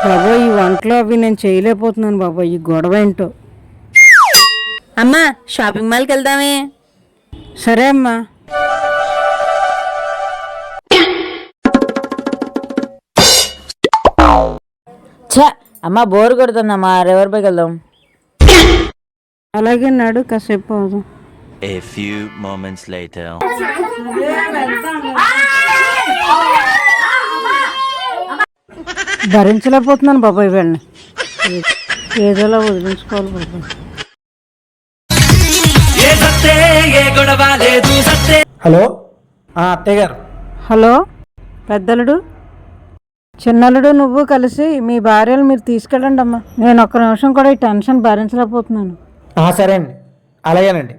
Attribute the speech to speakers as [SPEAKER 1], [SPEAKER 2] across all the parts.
[SPEAKER 1] బాబోయ్ ఈ వంటలో అవి నేను చేయలేకపోతున్నాను బాబోయ్, ఈ గొడవ ఏంటో.
[SPEAKER 2] అమ్మా షాపింగ్ మాల్కి వెళ్దామే.
[SPEAKER 1] సరే అమ్మా.
[SPEAKER 2] ఛ అమ్మ బోర్ కొడుతుందమ్మా, రివర్ పైకి వెళ్దాం.
[SPEAKER 1] అలాగే నాడు కాసేపు అవుదాం.
[SPEAKER 3] A few moments later.
[SPEAKER 1] భరించలేకపోతున్నాను బాబాయ్ వీళ్ళని, ఏదోలా వదిలించుకోవాలి బాబాయ్.
[SPEAKER 4] హలో అత్తయ్య గారు.
[SPEAKER 1] హలో పెద్దలుడు, చిన్నలుడు నువ్వు కలిసి మీ భార్యలు మీరు తీసుకెళ్ళండి అమ్మా. నేను ఒక్క నిమిషం కూడా ఈ టెన్షన్ భరించలేకపోతున్నాను.
[SPEAKER 4] సరే అండి, అలాగేనండి.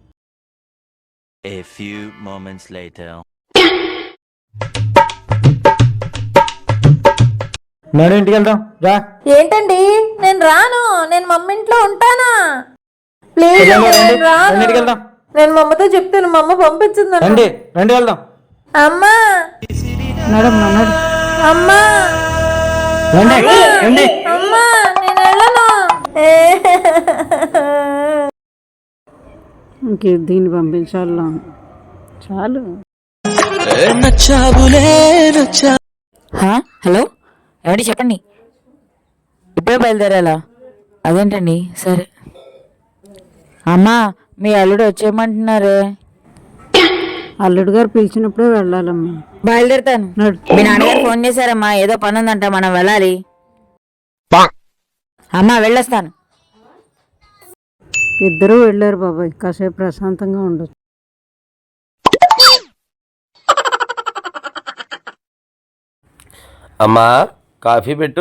[SPEAKER 3] A few moments later.
[SPEAKER 4] Madam ఇంటికి వెళ్దాం రా.
[SPEAKER 2] ఏంటండి నేను రాను, నేను మమ్మ ఇంట్లో ఉంటానా? ప్లీజ్
[SPEAKER 4] రండి,
[SPEAKER 2] నేను రాను.
[SPEAKER 4] రండి, ఇంటికి వెళ్దాం.
[SPEAKER 2] నేను మా అమ్మతో చెప్తాను, మా అమ్మ పంపించింది.
[SPEAKER 4] రండి రండి వెళ్దాం.
[SPEAKER 2] అమ్మా
[SPEAKER 1] నడు నడు.
[SPEAKER 2] అమ్మా
[SPEAKER 4] రండి రండి.
[SPEAKER 2] అమ్మా నేను వెళ్ళను.
[SPEAKER 1] ఇంక దీన్ని పంపించాలా, చాలు.
[SPEAKER 2] హలో ఏమండి చెప్పండి. ఇప్పుడే బయలుదేరాలా? అదేంటండి సరే. అమ్మా మీ అల్లుడు వచ్చేయమంటున్నారే.
[SPEAKER 1] అల్లుడు గారు పిలిచినప్పుడే వెళ్ళాలమ్మా.
[SPEAKER 2] బయలుదేరుతాను.
[SPEAKER 1] నడు.
[SPEAKER 2] మీ నాన్నగారు ఫోన్ చేశారమ్మా, ఏదో పని ఉందంట, మనం వెళ్ళాలి. అమ్మా వెళ్ళొస్తాను.
[SPEAKER 1] ఇద్దరూ వెళ్ళారు బాబాయ్, కాసేపు ప్రశాంతంగా ఉండొచ్చు.
[SPEAKER 5] అమ్మా కాఫీ పెట్టు.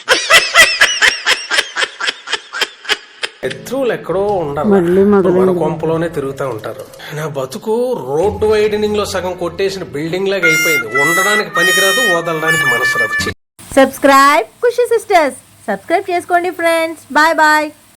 [SPEAKER 6] శత్రువులు ఎక్కడో ఉండరు,
[SPEAKER 1] మళ్ళీ
[SPEAKER 6] మన కొంపలోనే తిరుగుతూ ఉంటారు. నా బతుకు రోడ్డు వైడనింగ్ లో సగం కొట్టేసిన బిల్డింగ్ లాగా అయిపోయింది. ఉండడానికి పనికిరాదు, వదలడానికి మనసు రాదు.
[SPEAKER 2] సబ్స్క్రైబ్ ఖుషి సిస్టర్స్, సబ్స్క్రైబ్ చేసుకోండి ఫ్రెండ్స్. Bye bye.